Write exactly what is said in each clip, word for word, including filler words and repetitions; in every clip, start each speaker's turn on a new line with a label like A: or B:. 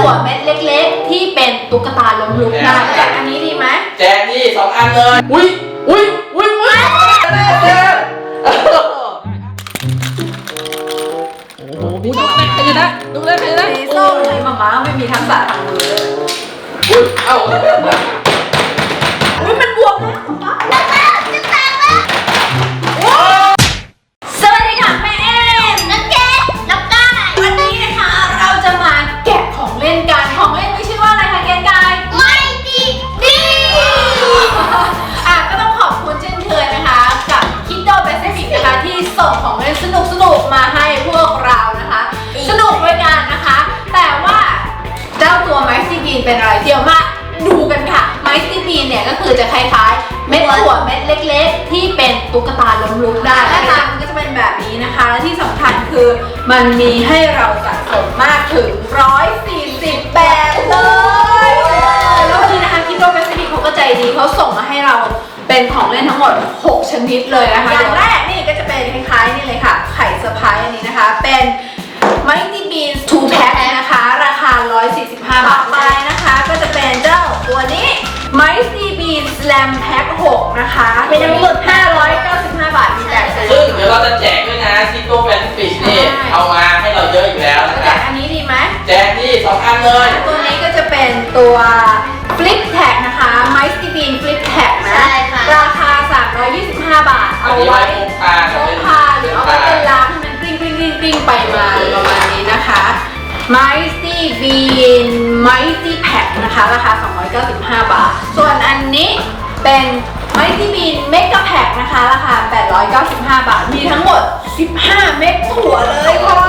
A: ถั่วเม็ดเล็กๆที่เป็นตุ๊กตาล้มลุกได้แจกอันนี้ดีไหม
B: แจกนี่สองอันเลยอุ้ยอุ้ยอุ้ยอุ้ยแจกโอ้โหดูเล่นใครนะดูเล่นใครนะ
A: สีส้มเลยมาม่าไม่มีทักษะทางมือเลย
B: อุ้ยเอ้า
A: อุ้ยมันบวมนะป๊าป๊าจะแตกแล้วสวัสดีค่ะแม่เอ็มนักเก็ตนักกายวันนี้นะคะเราจะมาแกะของเล่นกันของเล่นไม่ชื่อว่าอะไรคะเกณฑ์กายไม่ดีดีอ่ะก็ต้องขอบคุณเช่นเคยนะคะกับ Kido Pacific นะคะที่ส่งของเล่นสนุกสนุกมาให้พวกเรานะคะสนุกด้วยกันนะคะแต่ว่าเจ้าตัวไมซ์ซีบีนเป็นอะไรเดี๋ยวมาดูกันค่ะไมซ์ซีบีนเนี่ยก็คือจะคล้ายๆเม็ดถั่วเม็ดเล็กๆที่เป็นตุ๊กตาล้มลุกได้หน้าตามันก็จะเป็นแบบนี้นะคะและที่สำคัญคือมันมีให้เราสะสมมากถึงหนึ่งร้อยสี่สิบแบบเลยแล้ววันนี้นะคะคิดว่าแปซิฟิกเขาก็ใจดีเขาส่งมาให้เราเป็นของเล่นทั้งหมดหกชนิดเลยนะคะอย่างแรกนี่ก็จะเป็นคล้ายๆนี่เลยค่ะไข่เซอร์ไพรส์อันนี้นะคะเป็นMighty Beans ทู แพ็ค นะคะราคาหนึ่งร้อยสี่สิบห้าบาทไปนะคะก็จะเป็นเจ้าตัวนี้ Mighty Beans Slam Pack หกนะคะเป็นทั้งหมดห้าร้อยเก้าสิบห้าบาทมีแต่
B: ซึ่งเดี๋ยวเราจะแจกด้วยนะซิโก้แฟนฟิชนี่เอามาให้เราเยอะอยู่แล้วนะ
A: แจกอันนี้ดีไหม
B: แจกนี่สองอันเลย
A: ตัวนี้ก็จะเป็นตัว Flip Tag นะคะ Mighty Beans Flip Tag นะราคาสามร้อยยี่สิบห้าบาทเอาไว้พกพาหรือเอาไว้เป็นล้างให้มันกริ้งกริ้งกริ้งกริ้งไปมาประมาณนี้นะคะ Mighty Bean Mighty Pack นะคะราคาสองร้อยเก้าสิบห้าบาทส่วนอันนี้เป็น Mighty Bean Mega Pack นะคะราคาแปดร้อยเก้าสิบห้าบาทมีทั้งหมดสิบห้าเม็ดถั่วเลยค่ะ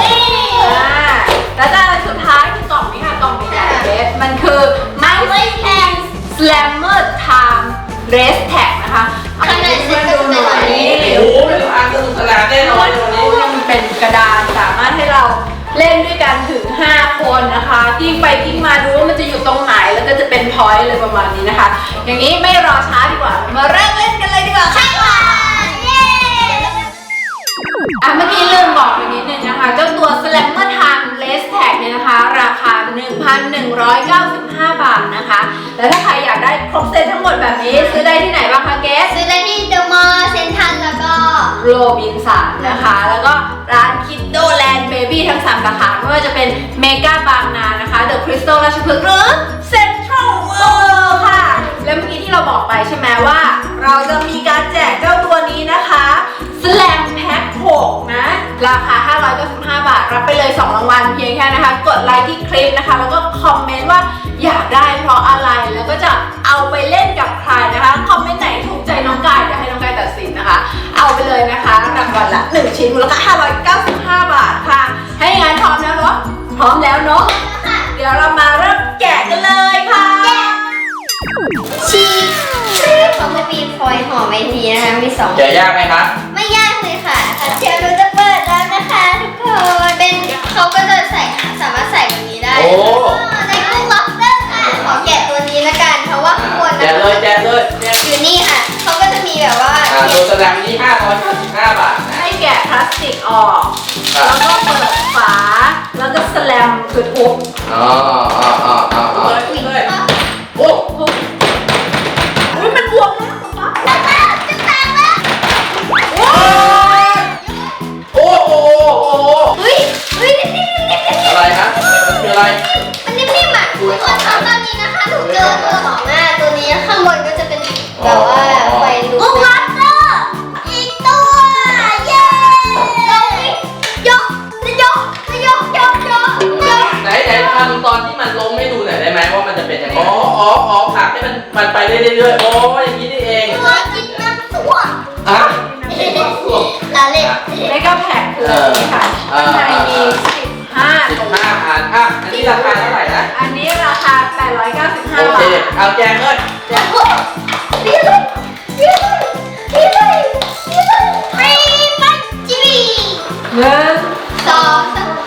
A: แล้วก็สุดท้ายคือกล่องนี้ค่ะกล่องใหญ่ๆเบสมันคือ Mighty Bean Slammer Time Race Tag นะคะข้างในเพื่อนดูหน่อย
B: โอ้โหเป็นทางสนุกสนานแน่นอนเลยวันนี้
A: มันเป็นกระดานสามารถให้เราเล่นด้วยกันถึงห้าคนนะคะกิ้งไปกิ้งมาดูว่ามันจะอยู่ตรงไหนแล้วก็จะเป็นพอยต์เลยประมาณนี้นะคะอย่างนี้ไม่รอช้าดีกว่ามาเริ่มเล่นกันเลยดีกว่าค่ะเย้อ่ะเมื่อกี้ลืมบอกไปนิดนึงนะคะเจ้าตัว Slammer Time Race Tag เนี่ยนะคะราคา หนึ่งพันหนึ่งร้อยเก้าสิบห้า บาทนะคะแล้วถ้าใครอยากได้ครบเซตทั้งหมดแบบนี้ซื้อได้ที่ไหนบ้างคะเกส
C: ซื้อได้ที่เดอะมอลล์เซ็นทรัลแล้วก็
A: โรบินสันนะคะแล้วก็ร้านคิดโดแลนด์เบบี้ทั้งสามสาขาไม่ว่าจะเป็นเมกาบางนานะคะเดอะคริสตัลราชพฤกษ์หรือเซ็นทรัลเวิลด์ค่ะแล้วเมื่อกี้ที่เราบอกไปใช่ไหมว่าเราจะมีการแจกเจ้าตัวนี้นะคะสแลมแพ็คหกนะราคาห้าร้อยเก้าสิบห้าบาทรับไปเลยสองรางวัลเพียงแค่นะคะกดไลค์ที่คลิปนะคะแล้วก็คอมเมนต์ว่าอยากได้เพราะอะไรแล้วก็จะเอาไปเล่นกับใครนะคะคอมเมนต์ไหนถูกใจน้องกายเดี๋ยวให้น้องกายตัดสินนะคะเอาไปเลยนะคะรางวัลละหนึ่งชิ้นมูลค่าห้าร้อยเก้าสิบห้าบาทค่ะให้งานพร้อมแล้วเนาะพร้อมแล้วเนาะเดี๋ยวเรามาเริ่มแกะกันเลยค่ะ
C: ชีเขาจะมีฟอยล์ห่อไว้ทีนะคะมีสอง
B: แกะยากไหมคะ
C: ไม่ยากเลยค่ะเดี๋ยวเราจะเปิดแล้วนะคะทุกคนเป็นเขาก็จะใส่สามารถใส่แบบนี้ได้
B: โอ้
C: ในกุ้งล็อบสเตอร์ค่ะขอแกะตัวนี้ละกันเพราะว่าข้างบน
B: แกะเลยแกะเลย
C: อยู่นี่ค่ะเขาก็จะมีแบบว่า
B: ตัวแสดงนี่ห้าร้อยเก้าสิบห้าบาท
A: ให้แกะพลาสติกออกแล้วก็เปิดฝาแล้วก็สแลมคือทุบ
B: อ๋ออ๋ออ๋ออ๋ออ๋อโอ้
A: โหมันบวมนะ
C: จะแตกจะแตกแล้ว
B: โอ้โอ้โห
C: เฮ้ยเฮ้ยนิ่มๆๆ
B: อะไรฮะมันคืออะไร
C: มันนิ่มๆอ่ะทุกคนตอนนี้นะคะหนูเจอตัวของหน้าตัวนี้ข้างบนก็จะเป็นแบบว่าไฟลุกวัตเตอร์อีกตัวเย้ยกยกยกยกยกยก
B: ไหนไหนทำตอนที่มันล้มให้ดูหน่อยได้ไหมว่ามันจะเป็นยังไงอ๋ออ๋ออ๋อผักให้มันมันไปเรื่อยๆโอ้อย่างนี้นี่เอง
C: ตัวกินน้ำตัว
B: อ่ะ
C: ลาเล่
A: ไม่ก็แพ็คเลยค่ะข้างในมีสิบห้า
B: สิบห้าอันอ่ะอันนี้ราคาเท่าไหร่นะ
A: อันนี้ราคาแปดร้อยเก้าสิบห้าบาท
B: โอเคเอาแกงเลย
C: เดี๋ยวดีเลยดีเลยดีเลยดีเลยฟรีปัจจี
A: หนึ่ง
C: สองสาม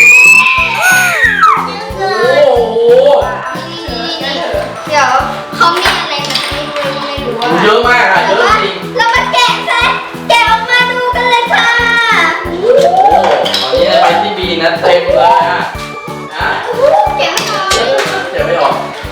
B: โอ้โห
C: เดี๋ยวเขามีอะไรนะไม่รู้ไม่รู้ว่า
B: เยอะมากค่ะเยอะจริง
C: เรามาแกะซะแกะออกมาดูกันเลยค่ะ
B: โอ้ตอนนี้ไปที่บีนะเต็มเลยอ่ะนะ
C: แกะไม่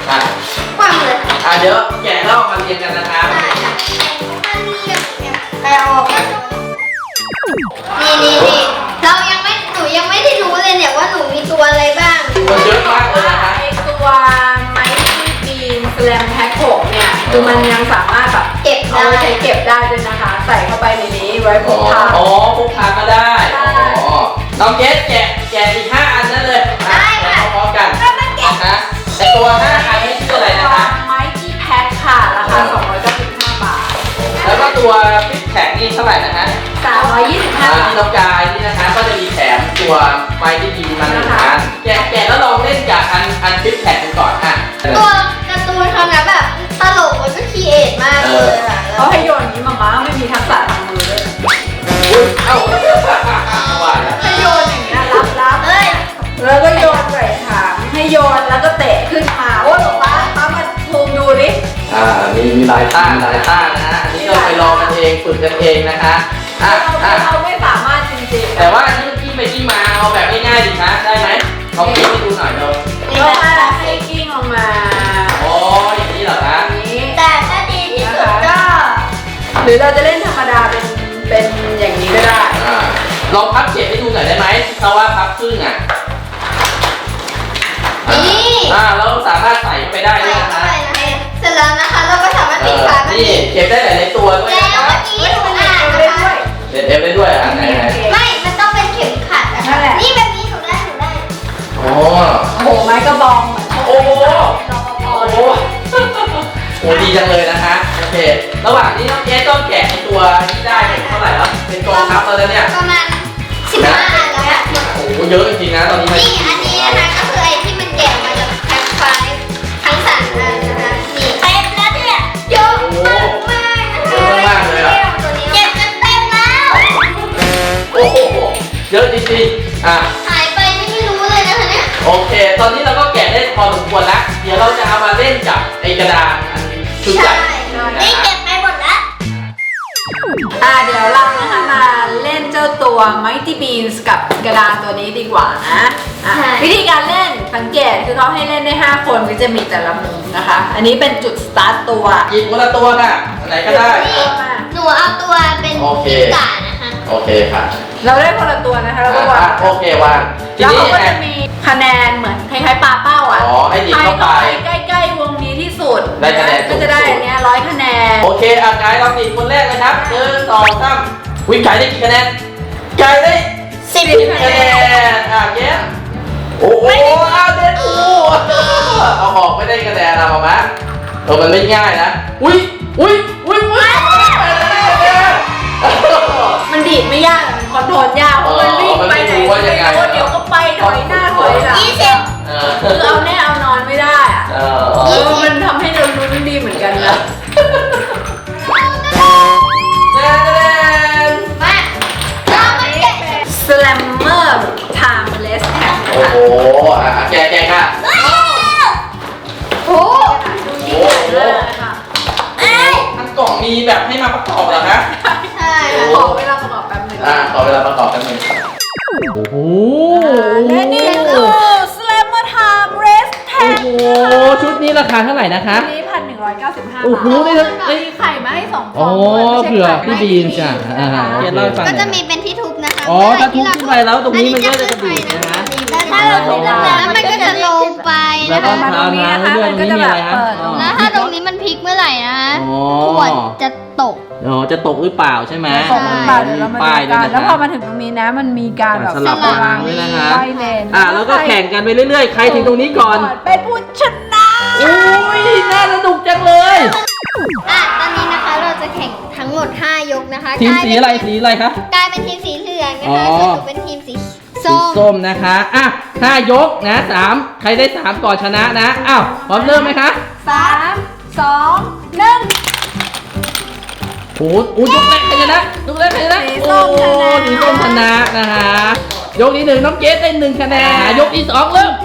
B: อ่ะ
C: ความเลย
B: อ่ะเดี๋ยวแกะแล้วเอามาเรียงกันนะครับ
C: ได้ค่ะอันนี้เนี่ยไปเอาออกนี่นี่นี่เรายังไม่หนูยังไม่ได้รู้เลยเนี่ยว่าหนูมีตัวอะไรบ้าง
B: มันเยอะมากเลยนะคะ
A: ไอตัวไมค์บีนสแลมแพ็คหกเนี่ยคือมันยังสามารถแบบ
C: เก็บ
A: เอา
C: ได้
A: ไปใช้เก็บได้ด้วยนะคะ ใส่เข้าไปในนี้ไว้พ
B: อ๋อก
A: พา
B: อ๋อพกพาก็ได้
A: ใช่
B: อ๋อน้องเกสแกะแกะอีกห้าอันนั่นเลยอ่
C: ได้ค่ะ
B: พร้อมๆกัน
C: เรามาเก็บ
B: นะแต่ตัวห้าอันนี้ชื่ออะไรนะคะ
A: ไมค์แพ็คค่ะราคาสองร้อยเก้าสิบห้าบาท
B: แล้วก็ตัวฟิตแท็กนี่เท่าไหร่นะคะ
A: สามร้อยยี่สิบห้า
B: อ่า
A: บา
B: ที่
A: ท
B: น้องกายนี่นะคะก็จะมีแถมตัวไฟที่ดีมาหนึ่งอันแกะแกะแล้วลองเล่นกับอันอันฟิตแท็กกันก่อนอ่ะ
C: ตัวการ์ตูนเขานะแบบตลกแล้วก็คีเอทมากเลยอะ
A: เขาให้โยนอย่างนี้มาม่าไม่มีทักษะทางมือเลย
B: อุ้ยเอ้าว่าแล้ว
A: ให้โยนอย่างเงี้ยรับรับ
C: เอ้ย
A: แล้วก็โยนใส่ถังให้โยนแล้วก็เตะขึ้นมาโอ้หลวงป้าป้ามาซูมดูดิ
B: อ่ามีมีหลายต้านหลายต้านนะฮะอันนี้ก็ไปลองกันเองฝึกกันเองนะคะอ่ะ
A: เรา
B: อ่ะ
A: เราไม่สามารถจริงๆ
B: แต่ว่าอันนี้มันกิ้งไปกิ้งมาเอาแบบง่ายๆดีนะได้ไหมลองกิ้งให้ดูหน่อยเร็ว
C: นี่
A: ก็
C: นะคะ
A: ให้กิ้งลงมา
B: อ๋ออย่างนี้เหรอคะ
A: อย่างนี้
C: แต่ถ้าดีที่สุดก็
A: หรือเราจะเล่นธรรมดาเป็นเป็นอย่างนี้ก็ได้
B: อ่าลองพับเก็บให้ดูหน่อยได้ไหมเพราะว่าพับครึ่งอ่ะ
C: นี่
B: อ่าเราสามารถใส่เข้าไปได้
C: ใส่
B: ด้วยนะ
C: เข้า
B: คะ
C: ไปนะเสร็จแล้วนะคะเราก็สามารถ
B: เอ
C: ติด
B: อ
C: ฝามัน
B: นี่
C: อีก
B: เก็บได้หลายๆตัวด้วย
C: แล้
B: นะ
C: ว
B: คะ
C: เมื่อกี้หนูอ่าน
A: เล่
C: นะ
A: น
C: คะ
A: ด้วย
B: เด็ดเอฟได้ด้วยอ่ะไหนไหน
C: ไม่ มันต้องเป็นเข็มขัดนะ
A: นั่
C: คะ
A: นแหละ
C: นี่แบบนี้หนูได้หนูได้
B: โอ้
A: โอ้โหไม้กระบองเหมือน
B: โอ้โห
A: รปภ
B: โอ้
A: เล
B: โห
A: ย
B: โอ้ดีจังเลยนะคะโอเคระหว่างนี้น้องเกสก็แกะไอ้ตัวที่ได้เนี่ยเท่าไหร่แล้วเป็นกองทัพแล้วนะเนี่ย
C: ประมาณสิบห้าอันแล้วค่ะ
B: โอ้โหเยอะจริงๆนะตอนนี้มัน
C: นี่อันนี้นะคะก็คือไอ้ที่มันแกะมาจากแพ็คไฟล์ทั้งสามอันนะคะนี่เต็มแล้วเนี่ยเยอะมากมากนะคะ
B: เยอะมากเลยอ่ะ
C: ตัวนี้เก็บจนเต็มแล้ว
B: โอ้โหเยอะจริงๆอ่ะ
C: หายไปนี่ไม่รู้เลยนะคะเนี่ย
B: โอเค ตอนนี้เราก็แกะได้พอสมควรแล้วเดี๋ยวเราจะเอามาเล่นกับไอ้กระดานอันชุดใหญ่
C: นี่เก็บไปหมดแล้ว
A: อ่าเดี๋ยวเรานะคะมาเล่นเจ้าตัว Mighty Beans กับกระดานตัวนี้ดีกว่านะอ่ะวิธีการเล่นสังเกตคือเขาให้เล่นได้ห้าคนก็จะมีแต่ละมุมนะคะ อันนี้เป็นจุดสตาร์ทตัว
B: หยิบคนละตัวค่ะอันไหนก็ได้
C: นี่หนูเอาตัวเป็น
B: โอเค
C: พิกานะคะ
B: โอเคค่ะ
A: เราได้คนละตัวนะคะแล้วก็วา
B: อ่ะ
A: ง
B: โอเควางที
A: แล้ว
B: นี้
A: เขาก็
B: ไง
A: จะมีคะแนนเหมือนคล้ายๆปลาเป้าอ่ะ
B: อ๋อให้ดิบ
A: ใคร
B: เข้าไป
A: เข้าไปใกล้ๆวงนี้ที่สุด
B: ได้คะแนนสูงสุด
A: ก็จะได้อันเนี้ยร้อยคะแนน
B: โอเคอ่ะกายลองดิคนแรกเลยครับหนึ่งสองสามวิ่งกายได้กี่คะแนนกายได้
C: สิบ
B: สิบคะแนนอ่ะเย้โอ้โหอ้าวเด็ดกูเอาออกไม่ได้คะแนนเอามาไหมเออมันไม่ง่ายนะอุ้ยอุ้ยอุ้ยอุ้ยได้คะแนน
A: มันดีดไม่ยากแต่มันคอนโทรลยากเพราะมันวิ่งไปไหนก็ไม่รู้เดี๋ยวก็ไปถอยหน้าถอยหลัง
C: ยี่สิบ
B: เออ
A: คือเอาแน่เอานอนไม่ได้อะ
B: เออ
A: เออมันทำให้เราลุ้นดีเหมือนกันนะ
B: แน่แน่
C: มาเรามาแกะ
A: Slammer Timeless Tag
B: โอ้โหอ่ะแกะแกะค่ะ
C: โอ้
A: ดูยิ่งใหญ่มากค่ะ
C: เอ้ย
B: ทั้งกล่องมีแบบให้มาประกอบเหรอคะ
C: ใช่
A: ขอเวลาประกอบแป๊บหนึง
B: อ่าขอเวลาประกอบกันหนึ่งโอ้โห
A: และนี่คือ Slammer Timeless
B: โอ้
A: Tag
B: โหชุดนี้ราคาเท่าไหร่นะคะ
A: อันนี้พันหนึ่งร้อยเก้าสิบห้า
B: โอ้
A: บา
B: โห
A: ท
B: นี่ทั้ง
A: มีไข่มาให้สองฟ
B: อ๋
A: อ
B: อง
A: ด้วยไม่ใช่
B: เผื่อ
A: ไข่
B: พี่บีนจ้ะอ่า
A: นะคะ
B: เดี๋ยวเล่าให้ฟัง
C: ก็จะมีเป็นที่ทุบนะคะ
B: อ๋อถ้าทุบขึ้นไปแล้วตรงนี้มันก็จะกระดิกนะ
C: แต่ถ้าเราทุบแล้วมันก็จะลงไป
B: แล้ว
C: นะ
B: ก็
C: คะ
A: มาตรงนี้นะคะมันก็จะแบบเปิดลง
C: แล้วถ้าตรงนี้มันพลิกเมื่อไหร่นะคะ
B: อ๋อ
C: ขวดจะตก
B: อ๋อจะตกหรือเปล่าใช่ไหม
A: ตกลงมาเดี๋ยวเรามา
B: ป้าย
A: ดู
B: ด้วย
A: กัน
B: นะ
A: แล้วพอ
B: คะ
A: มาถึงตรงนี้นะมันมีการแบบ
B: สลับวางด้วยนะคะ
A: ไล่เลน
B: อ่ะแล้วก็แข่งกันไปเรื่อยๆ ใครถึงตรงนี้ก่อน
A: เป็นผู้ชนะ
B: อุ้ยน่าสนุกจังเลย
C: อ่ะตอนนี้นะคะเราจะแข่งทั้งหมดห้ายกนะคะ
B: ทีม
C: กลาย
B: สี
C: เป็น
B: อะไรสีอะไรคะ
C: กลายเป็นทีมสีเหลืองนะ
B: อ๋
C: คะ
B: อ
C: ส่วนหนูเป็นทีมสี
B: สี
C: ส้ม
B: ส้มนะคะอ่ะห้ายกนะสามใครได้สามก่อนชนะนะอ้าวพร้อมเริ่มไหมคะ
A: สามสองหนึ่ง
B: โอ้โหโอ้ยกแรกใครชนะยกแรกใครชนะ
A: สี
B: โอ้
A: ส้มชนะ
B: สีส้มชนะนะคะยกที่หนึ่งน้องเกสได้หนึ่งคะแนนยกที่สองเริ่ม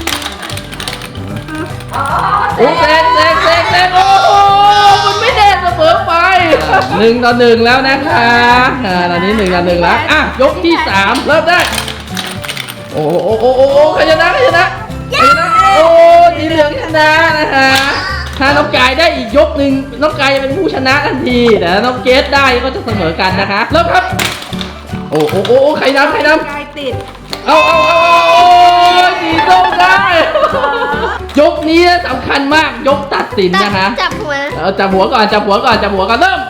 B: โอ้แซงแซงแซงแซงโอ้โหมันไม่แดงเสมอไปหนึ่งต่อหนึ่งแล้วนะคะอ่าตอนนี้หนึ่งต่อหนึ่งแล้วอ่ะยกที่สามเริ่มได้ โอ้โหโอ้โหโอ้โหใครชนะใครชนะใครชนะโอ้สีเหลืองชนะนะคะถ้าน้องกายได้อีกยกหนึ่งน้องกายจะเป็นผู้ชนะทันทีแต่ถ้าน้องเกสได้ก็จะเสมอกันนะคะเริ่มครับโอ้โอ้โอ้ใครนำใครนำ
A: กายติด
B: เอาเอาเอาเอาสีส้มได้ ยกนี้สำคัญมากยกตัดสินนะคะ
C: จับหัว
B: เอาจับหัวก่อนจับหัวก่อนจับหัวก่อนเริ่ม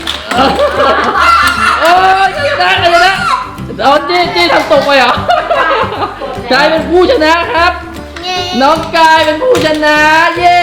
B: โอ้ยชนะใครชนะเอาจี้จี้ทำตกไปเหรอกลายเป็นผู้ชนะครับ
C: เย้
B: น้องกายเป็นผู้ชนะเย้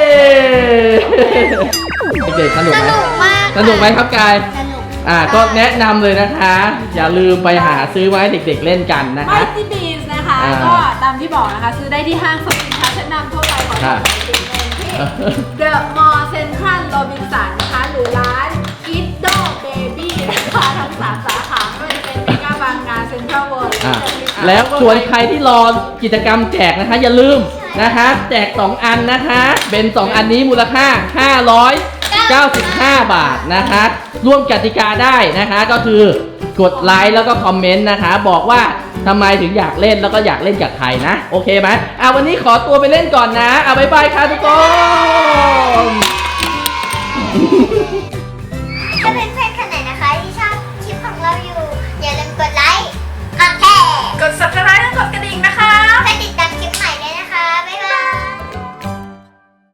B: เด็กๆสนุก
C: ส
B: ไหม
C: นุกมาก
B: สนุกไหมครับกาย
C: สนุก
B: อ่าก็แนะนำเลยนะคะ อย่าลืมไปหาซื้อมาให้เด็กๆเล่นกันนะ
A: ไม
B: คะ
A: ตี้บีนนะคะ
B: อ่า
A: ก็ตามที่บอกนะคะ ซื้อได้ที่ห้างสรรพสินค้าชั้นนำทั่วไปของ
B: ค่ะ
A: ไทยที่เดอะมอลล์เซ็นทรัลโรบินสันนะคะ หรือร้านกิดโดเบบี้นะคะทั้งสามสาขาไม่ว่าจะเป็นเมกาบางนาเซ็นทรัลเวิลด์
B: อ่ะแล้วส่วนใครที่รอกิจกรรมแจกนะคะ อย่าลืมนะคะแจกสองอันนะคะเป็นสองอันนี้มูลค่าห้าร้อยเก้าสิบห้าบาทนะคะร่วมกติกาได้นะคะก็คือกดไลค์แล้วก็คอมเมนต์นะคะบอกว่าทำไมถึงอยากเล่นแล้วก็อยากเล่นกับใครนะโอเคไหมอ่ะวันนี้ขอตัวไปเล่นก่อนนะอ่ะบ๊ายบายค่ะทุกคน
C: จะเป็นแฟ